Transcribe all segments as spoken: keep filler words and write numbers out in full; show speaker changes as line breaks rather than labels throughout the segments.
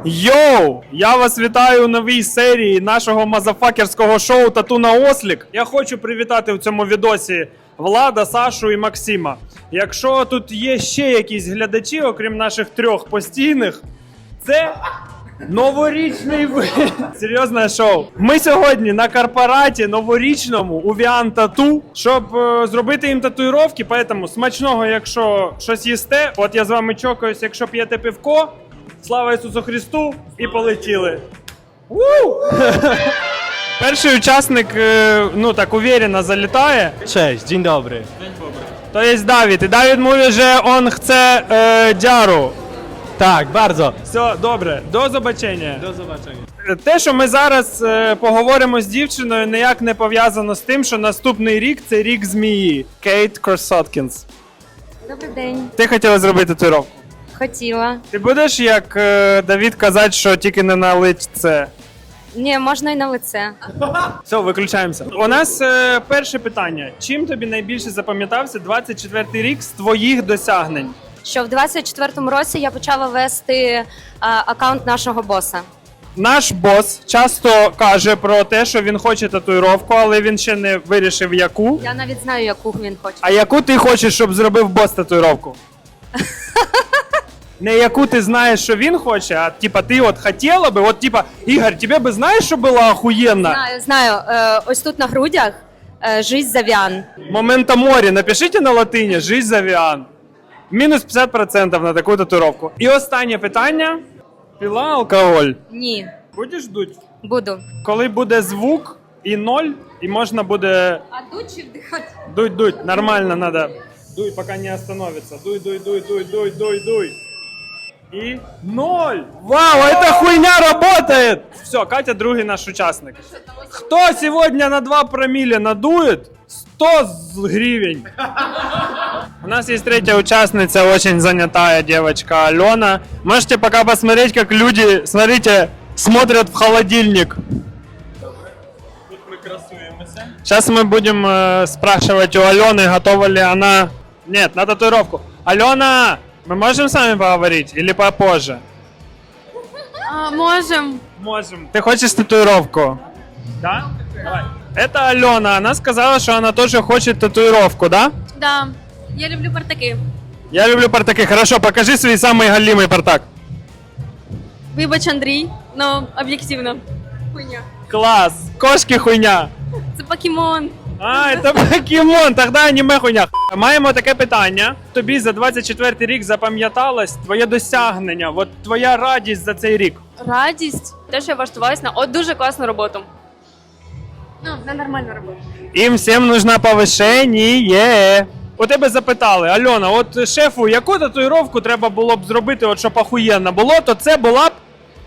Йоу! Я вас вітаю у новій серії нашого мазафакерського шоу «Тату на ослік». Я хочу привітати в цьому відосі Влада, Сашу і Максима. Якщо тут є ще якісь глядачі, окрім наших трьох постійних, це новорічний ви... Серйозне шоу. Ми сьогодні на корпораті новорічному у Віан Тату, щоб е, зробити їм татуїровки, поэтому смачного, якщо щось їсте. От я з вами чокаюсь, якщо п'єте пивко. Слава Ісусу Христу! І полетіли. Перший учасник, е, ну так, уверенно залітає.
Cześć, dzień dobry.
То є Давід. І Давід mówi, że on chce е, dziaru.
Tak, bardzo.
Все, добре. До побачення.
Do zobaczenia.
Те, що ми зараз е, поговоримо з дівчиною, ніяк не пов'язано з тим, що наступний рік – це рік змії. Кейт Кросоткінс.
Добрий день.
Ти хотіла зробити татуїровку?
Хотіла.
Ти будеш, як е, Давід, казати, що тільки не на лице?
Ні, можна і на лице.
Все, виключаємося. У нас е, перше питання. Чим тобі найбільше запам'ятався двадцять четвертий рік з твоїх досягнень?
Що в двадцять четвертому році я почала вести а, аккаунт нашого боса.
Наш бос часто каже про те, що він хоче татуїровку, але він ще не вирішив яку.
Я навіть знаю, яку він хоче.
А яку ти хочеш, щоб зробив бос татуїровку? Не яку ти знаєш, що він хоче, а типа ти от хотіла би, от типа, Ігор, тебе би знаєш, що було охуєнно?
Знаю, знаю. Е, ось тут на грудях е, «Жизнь зав'ян».
Момента морі, напишіть на латині «Жизнь завіан». Мінус п'ятдесят відсотків на таку татуїровку. І останнє питання. Пила алкоголь?
Ні.
Будеш дуть?
Буду.
Коли буде звук і ноль, і можна буде
А дуть чи вдихати?
дуть, дуть, нормально надо. Дуй, пока не остановится. Дуй, дуй, дуй, дуй, дуй, дуй, дуй. И ноль! Вау, эта хуйня работает! Все, Катя другий наш участник. Кто сегодня на два промилле надует, сто гривен. У нас есть третья участница, очень занятая девочка Алена. Можете пока посмотреть, как люди, смотрите, смотрят в холодильник.
Тут ми красуємося.
Сейчас мы будем э, спрашивать у Алены, готова ли она... Нет, на татуировку. Алена, мы можем с вами поговорить или попозже?
А, можем.
Можем. Ты хочешь татуировку? Да? Давай. Это Алена, она сказала, что она тоже хочет татуировку, да?
Да. Я люблю партаки.
Я люблю партаки. Хорошо, покажи свой самый галимый партак.
Вибач, Андрій, но об'єктивно. Хуйня.
Класс. Кошки хуйня.
Це покемон.
А, це покемон, тоді аніме хуйня. Маємо таке питання. Тобі за двадцять четвертий рік запам'яталось твоє досягнення, от твоя радість за цей рік.
Радість. Те, що я влаштувалась на от дуже класну роботу. Ну, на нормальну роботу.
Їм всім нужно повишення. У тебе запитали, Альона, от шефу, яку татуїровку треба було б зробити, от щоб охуєнно було, то це була б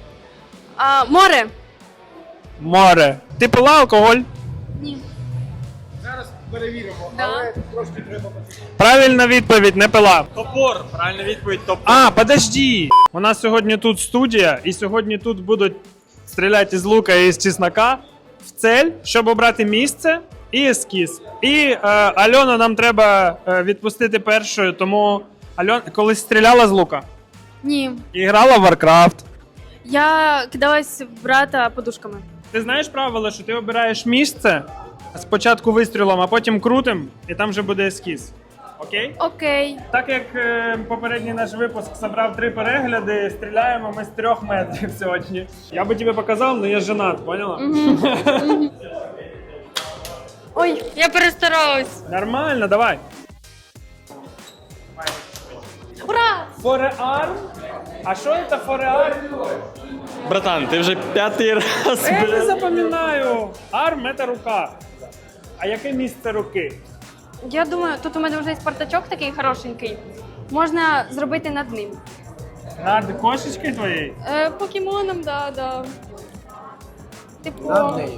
А, море.
море. Ти пила алкоголь?
Ні.
Зараз перевіримо,
Да.
але трошки треба.
Правильна відповідь, не пила.
Топор, правильна відповідь, топор.
А, подожди. У нас сьогодні тут студія, і сьогодні тут будуть стріляти з лука і з чеснока в цель, щоб обрати місце і ескіз. І е, Альону нам треба е, відпустити першою, тому Альон колись стріляла з лука
Ні.
і грала в Warcraft.
Я кидалась в брата подушками.
Ти знаєш правило, що ти обираєш місце спочатку вистрілом, а потім крутим, і там вже буде ескіз. Окей?
Окей.
Так як е, попередній наш випуск зібрав три перегляди, стріляємо ми з трьох метрів сьогодні. Я би тобі показав, але я женат, поняла?
Ой, я перестаралась.
Нормально, давай.
Ура!
Фореарм? А що це фореарм?
Братан, ти вже п'ятий раз.
Я не
блядь.
запам'ятаю. Арм – це рука. А яке місце руки?
Я думаю, тут у мене вже є партачок такий хорошенький. Можна зробити над ним.
Над кошечкою твоєю?
Е, покемоном, да, да. Типу.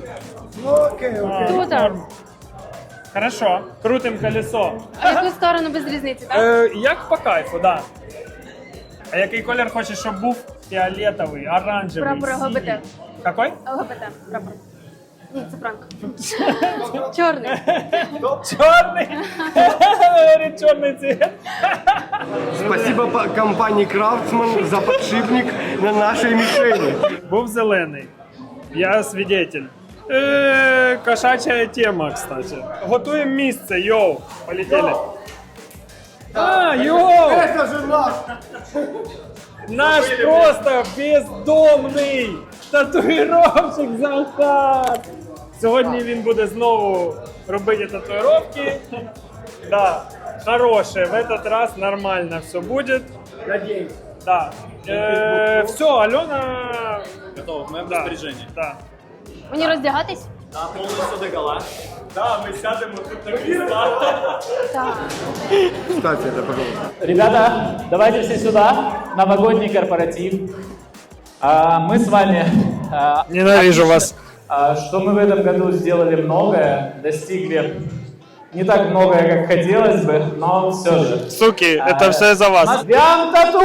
А,
Тут.
норм. Хорошо. Крутим колесо.
А в яку сторону без різниці, так?
Е, як по кайфу, да. А який колір хочеш, щоб був? Фіолетовий, оранжевий,
Прапор ЛГБТ.
синій. Какой?
ЛГБТ, прапор. Ні, це пранк. Чорний.
Чорний! Говорить, чорний цвет.
Спасибо по- компании Крафтсман за подшипник на нашей мишени.
Був зелений. Я свидетель. Е, кошача тема, кстати. Готуємо місце, йоу. Полетели. А, йоу!
Это же наш!
Наш просто бездомний татуїровщик Захар. Сьогодні він буде знову робити татуїровки. Да, хороше, в этот раз нормально все будет.
Надеюсь.
Да. Э, все, Алена...
Готово, в моем
Да,
распоряжении.
да.
Мені роздягатись?
Да, полностью догола.
Да, мы сядем вот тут на кресла.
Так.
Кстати, это, пожалуйста.
Ребята, давайте все сюда. Новогодний корпоратив. А, мы с вами... а,
Ненавижу вас.
а, что мы в этом году сделали многое, достигли не так многое, как хотелось бы, но все же.
Суки,
А,
это все за вас.
Прям тату!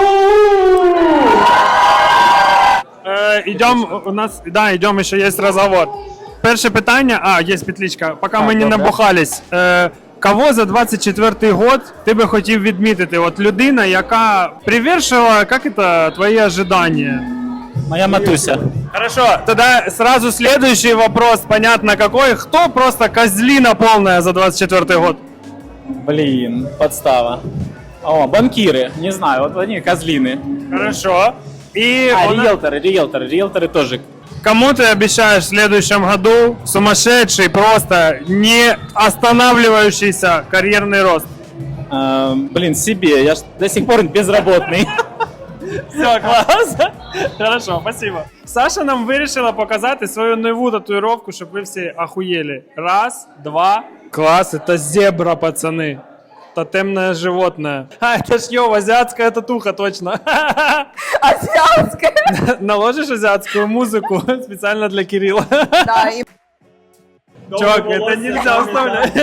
Э, идем, у нас, да, идем, еще есть разговор. Перше питання, а, є петличка, поки ми не набухались. Е, кого за двадцять четвертий год ти би хотів відмітити? От людина, яка привершила, як це, твої ожидания?
Моя матуся.
Хорошо, тогда сразу следующий вопрос, понятно какой. Кто просто козлина полная за двадцать четвертый год?
Блин, подстава. О, банкиры, не знаю, вот они козлины.
Хорошо. И
А,
у нас-
риэлторы, риэлторы, риэлторы тоже.
кому ты обещаешь в следующем году сумасшедший, просто не останавливающийся карьерный рост?
А, блин, себе, я ж до сих пор безработный.
Все, класс. Хорошо, спасибо. Саша нам вирішила показати свою нову татуїровку, щоб ви всі охуєли. Раз, два. Класс, это зебра, пацаны. Тотемное животное. А, это ж йо, азиатская татуха, точно.
Азиатская.
Наложишь азиатскую музыку специально для Кирилла.
Да, і
Чувак, это нельзя оставлять.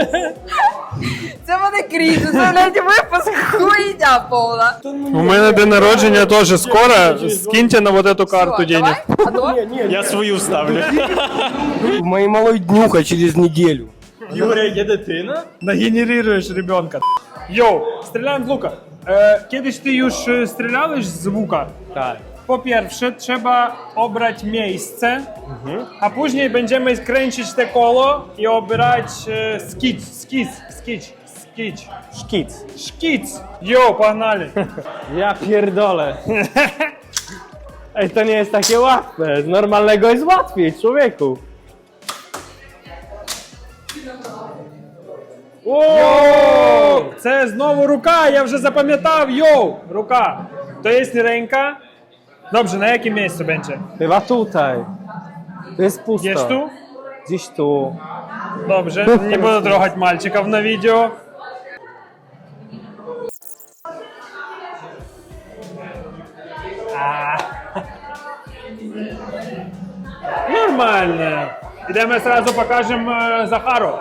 це мене крізь, уявляєте, випуск хуйня повна.
У мене день народження теж скоро. Скиньте на вот эту карту
Все,
денег.
давай, готов?
Я свою ставлю.
У моей малой днюха через неделю.
Юрия, є дитина?
Нагенерируєш ребенка. Йоу, стріляємо з лука. Е, Кiedyś ty już e, strzelałeś z łuka?
Так.
Po pierwsze trzeba obrać miejsce, a później będziemy kręcić te koło i obrać e, skic, skic, skic, skic,
Szkic.
szkic. Jo, pogнали.
Ja pierdolę. Ej, to nie jest takie łatwe. Z normalnego jest łatwiej, człowieku.
О, це знову рука, я вже запам'ятав, йоу, рука. To jest ręka. Dobrze, na jakim miejscu będzie?
Chyba tutaj. To jest pusto.
Gdzieś tu?
Gdzieś tu.
Dobrze, nie буду трогать мальчиков на видео. А. Нормально. Ідемо сразу покажемо е, Захару.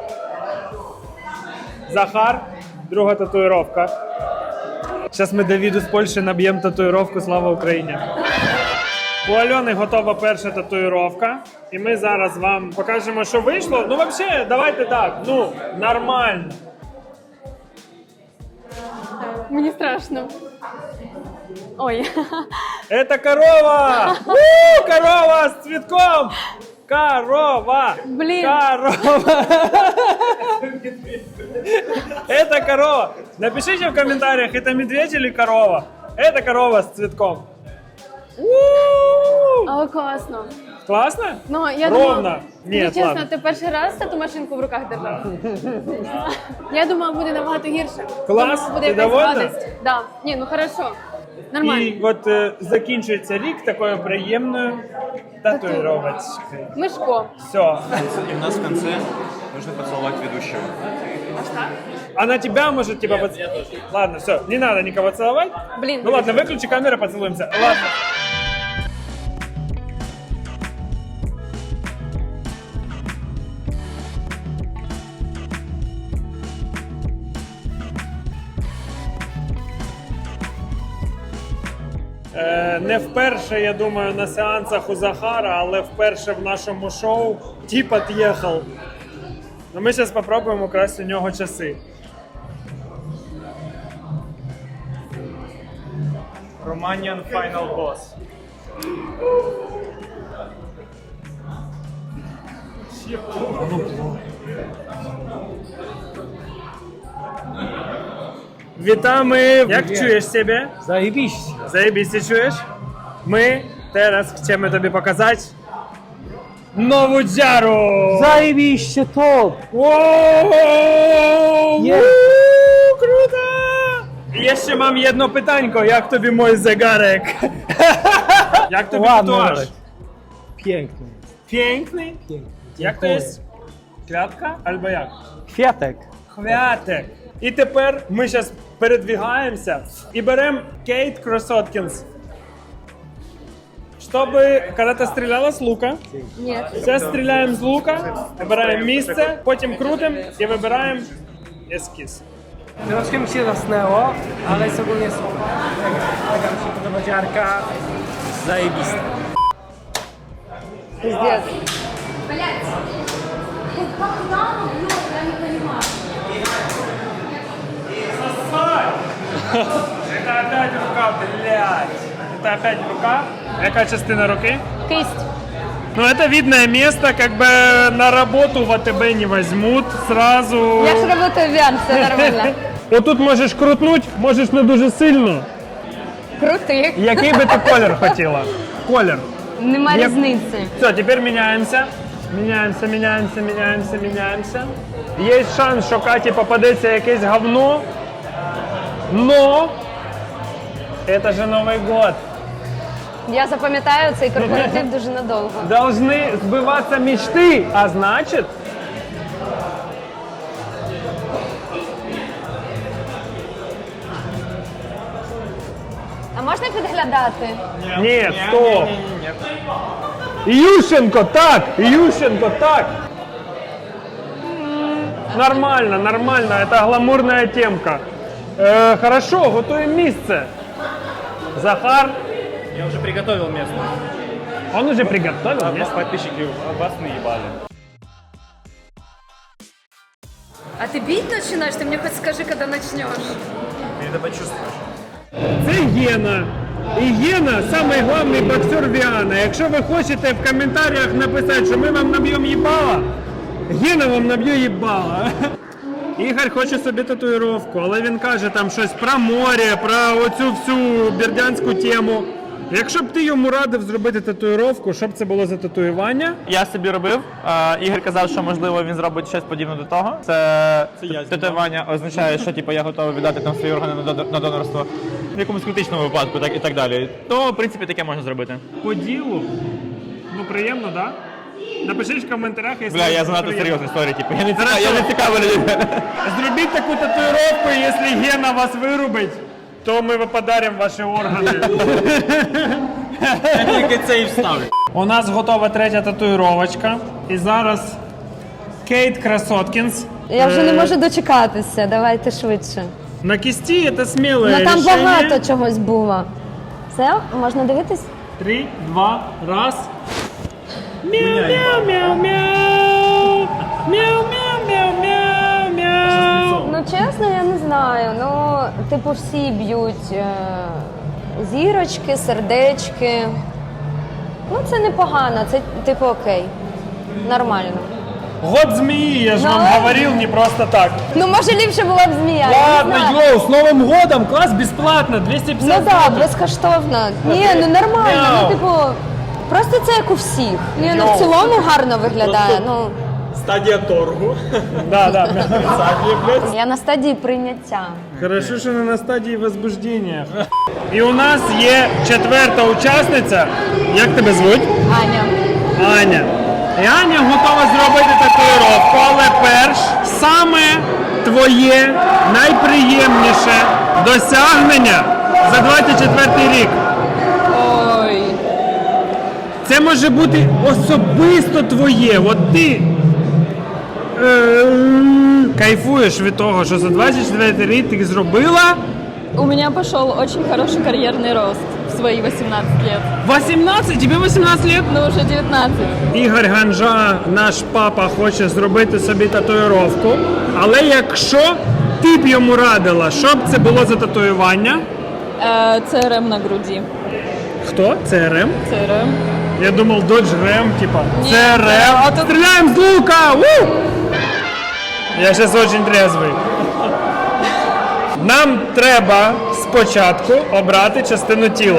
Захар, друга татуїровка. Зараз ми Давіду з Польщі наб'ємо татуїровку «Слава Україні». У Альони готова перша татуїровка. І ми зараз вам покажемо, що вийшло. Ну, взагалі, давайте так, ну, нормально.
Мені страшно. Ой.
Это корова! У, корова с цветком! Корова!
Блин.
Корова! Это корова! Напишите в комментариях, это медведь или корова? Это корова с цветком. У!
Але класно.
Классно?
Ну, я
Ровно.
думала,
Нет,
ну, чесно,
ладно.
ти перший раз тату машинку в руках держав. Я думала, буде набагато гірше.
Клас,
Думала, буде
ти
якась
довольна?
гадость. Да. Ні, ну хорошо. Нормально.
І от е, закінчується рік такою приємною татуїровочкою.
Мишко.
Все.
И у нас в конце нужно поцеловать ведущего.
А на тебя может типа поц... Ладно, все, не надо никого целовать.
Блин.
Ну ладно, выключи камеру, поцелуемся. Ладно. Е, Не вперше, я думаю, на сеансах у Захара, але вперше в нашому шоу тип от'їхав. Ну, ми зараз спробуємо украсти у нього часи.
Romanian Final Boss.
Вітаємо! Як чуєш себе?
Zajebiście.
Заєбісь, ти чуєш? Ми зараз хочемо тобі показати нову дзяру!
Zajebiście top.
Воу!
Є.
Ву, круто! І я ще мам одне питанько, як тобі мой zegarek? Як тобі
Ładny
татуаж?
nawet. Piękny.
Пінкний?
Piękny.
Як то є? Клятка? Або як?
Kwiatek.
Хвятик. І тепер ми зараз передвигаємося і беремо Кейт Кросоткінс. Чтобы, когда ты стреляла с лука,
Ні.
сейчас стреляем с лука, выбираем місце, потім крутим і вибираємо ескіз.
Troszkę mi się zasnęło, ale jest ogólnie super. Mega mi się podoba dziarka. Zajebista.
Пиздец.
Это опять рука, блядь. Это опять рука. Яка частина руки?
Кисть.
Ну, это видное место, как бы на работу в АТБ не возьмут сразу.
Я ж работаю в Віан, все нормально.
Отут можеш крутнуть, можеш не дуже сильно.
Крутий.
Який би ти колір хотіла? Колір.
Нема
Я-
різниці.
Все, теперь меняемся. Меняемся, меняемся, меняемся, меняемся. Есть шанс, що Каті попадеться якесь говно. Но это же Новый год.
Я запам'ятаю цей корпоратив дуже надовго.
Должны сбываться мечты, а значит...
А можна підглядати?
Нет, стоп. Ющенко, так! Ющенко, так! Нормально, нормально, это гламурная темка. Э, хорошо, готовим місце. Захар,
Я уже приготовил место.
он уже приготовил место.
Подписчики вас наебали.
А ти бить починаєш? Ти мені хоч скажи, коли почнеш.
Ты это почувствуешь.
Це Гена. І Гена – самий головний боксер Віана. Якщо ви хочете в коментарях написати, що ми вам наб'ємо їбала, Гена вам наб'є їбала. Ігор хоче собі татуїровку, але він каже там щось про море, про оцю всю бердянську тему. Якщо б ти йому радив зробити татуїровку, що б це було за татуювання?
Я собі робив. Е, Ігор казав, що можливо він зробить щось подібне до того. Це татуювання означає, що типу, я готовий віддати там свої органи на донор- на донорство в якомусь критичному випадку, так і так далі. То, в принципі, таке можна зробити.
По ділу. Ну приємно, так? Да? Напишіть в коментарях, якщо
Бля, я
вам
занадто
приємно.
серйозна історія, типу. Я не цікав,
Хорошо.
я не цікавий людей.
Зробіть таку татуїровку, і якщо Гена вас вирубить, то ми вам подаримо ваші органи.
Тільки це і вставлю.
У нас готова третя татуїровочка. І зараз Кейт Красоткінс.
Я вже не
Е,
можу дочекатися, давайте швидше.
На кисті це сміле
Ну там
рішення.
багато чогось було. Все, можна дивитись?
Три, два, раз. Мяу-мяу-мяу-мяу. Мяу-мяу-мяу-мяу-мяу.
Ну чесно, я не знаю. Ну, типу, всі б'ють е, зірочки, сердечки. Ну, це непогано, це типу окей. Нормально.
Год змеи, я же
Ну,
вам
ладно.
говорил, не просто так.
Ну, може, ліпше була б змія. я не
Ладно,
знаю.
йоу, с Новым годом, класс бесплатно, двести
Ну
пятьдесят
так, да,
злотих.
безкоштовно. Ні, ну нормально.
Мяу.
Ну, типу, просто це як у всіх. Ні, ну
Йоу.
в цілому гарно виглядає. Ну,
Стадія торгу.
Да, да.
я на стадії прийняття.
Хорошо, що не на стадії возбуждення. І у нас є четверта учасниця. Як тебе звуть?
Аня.
Аня. І Аня готова зробити татуїровку, але перш саме твоє найприємніше досягнення за двадцять четвертий рік.
Ой.
Це може бути особисто твоє. От ти е, кайфуєш від того, що за двадцять четвертий рік ти зробила.
У меня пошел очень хороший карьерный рост. свои восемнадцать лет.
вісімнадцять? Тобі вісімнадцять лет?
Ну, уже девятнадцать.
Ігор Ганжа, наш папа, хоче зробити собі татуїровку. Але якщо ти б йому радила, що б це було за татуювання?
Э, ЦРМ на груди.
Хто? ЦРМ?
ЦРМ.
Я думав, Dodge Ram, типа.
Ні,
ЦРМ.
а тут-
Стріляємо з лука! У! Я зараз дуже трезвий. Нам треба спочатку обрати частину тіла.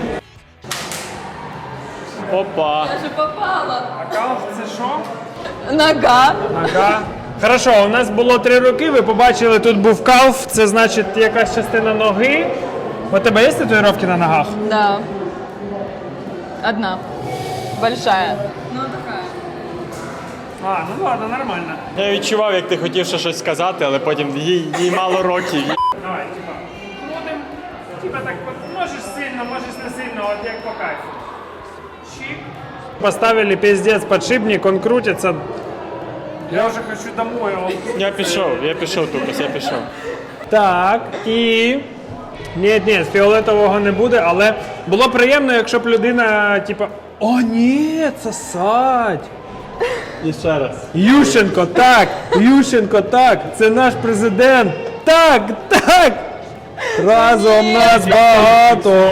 Опа.
Я же попала.
А калф це що?
Нога.
Ага. Хорошо, у нас було три роки, ви побачили, тут був калф, це значить якась частина ноги. У тебе є татуїровки на ногах?
Да. Одна. Большая. Ну, такая.
А, ну ладно, нормально.
Я відчував, як ти хотів ще щось сказати, але потім їй, їй мало років.
Давай, типа, будем, типа так, от, можеш сильно, можеш не сильно, от як по кайфу. Чик. Поставили пиздец подшипник, он крутится. Я вже хочу домой, а он крутится.
Я пішов, я пішов, Тукас, я пішов.
Так, і... Ні, ні, фіолетового не буде, але було б приємно, якщо б людина, типа, о, ні, це садь.
І ще раз.
Ющенко, так, Ющенко, так, це наш президент. Так, так. Разом нас багато.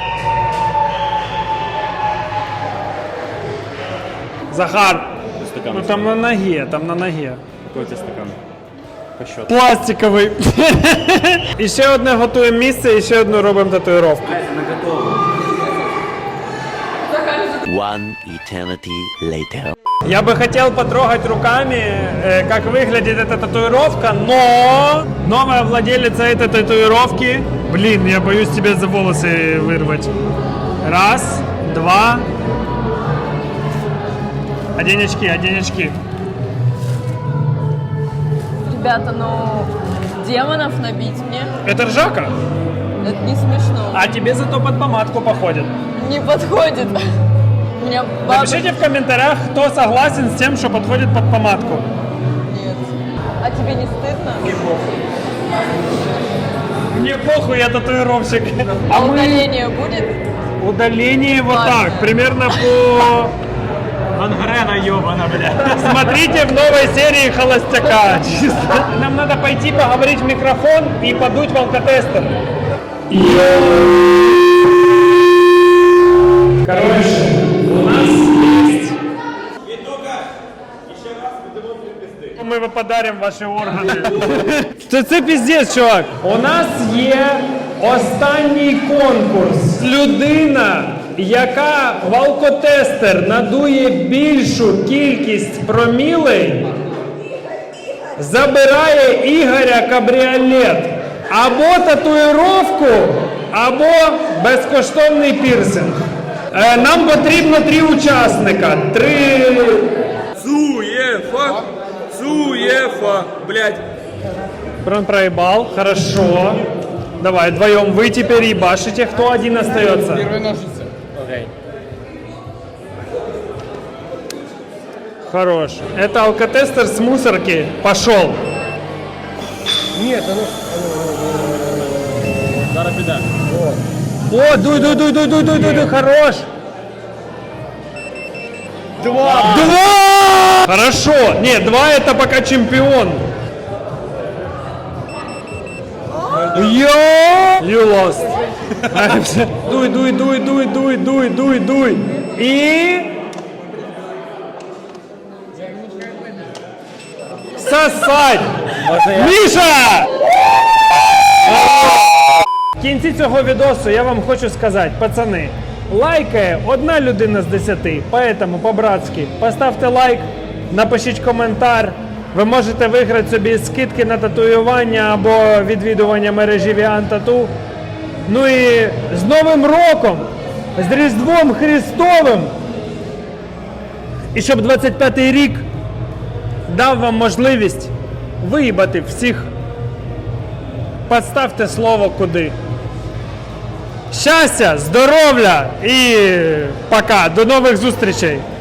Захар, ну там на ноге, там на ноге.
Який у тебе стакан? По счету.
Пластиковий. І ще одне готуємо місце, і ще одну робимо татуїровку.
One eternity later.
Я бы хотел потрогать руками, э, как выглядит эта татуировка, но новая владелица этой татуировки, блин, я боюсь тебе за волосы вырвать. Раз, два. Одень очки, одень очки.
Ребята, ну, демонов набить мне,
Это ржака,
это не смешно.
а тебе зато под помадку походит.
Не подходит. У меня бабушка...
Напишите в комментариях, кто согласен с тем, что подходит под помадку.
Нет. А тебе не стыдно?
Мне похуй, я татуировщик.
А удаление будет?
Удаление вот
Ладно.
так, примерно по...
Гангрена йобана, бля.
Смотрите в новой серии «Холостяка». Чисто. Нам надо пойти поговорить в микрофон и подуть в алкотестер. Короче, у нас есть... Мы вам подарим ваші органи. Це, це піздець, чувак. У нас є останній конкурс. Людина, яка в алкотестер надує більшу кількість промілей, забирає Ігоря кабріолет. Або татуїровку, або безкоштовний пірсинг. Е, Нам потрібно три учасника. Три...
Суефа! Суефа! Блять!
Он проебал, хорошо. Давай, вдвоем вы теперь ебашите, кто один остается? Первые ножницы. Окей. Хорош. Это алкотестер с мусорки. Пошел.
Нет, оно...
Зараз піде.
О, дуй, дуй, дуй, дуй, дуй, дуй, дуй, дуй, хорош.
Два!
Два! Хорошо. Нет, два это пока чемпион. Йо! You lost. Дуй, дуй, дуй, дуй, дуй, дуй, дуй, дуй. И... Сосать! Міша! В кінці цього відосу я вам хочу сказати, пацани, лайкає одна людина з десяти, поэтому по-братськи поставте лайк, напишіть коментар. Ви можете виграти собі скидки на татуювання або відвідування мережі Віан Тату. Ну і з Новим роком, з Різдвом Христовим. І щоб двадцять п'ятий рік дав вам можливість виїбати всіх. Подставте слово куди. Щастя, здоров'я і пока. До нових зустрічей.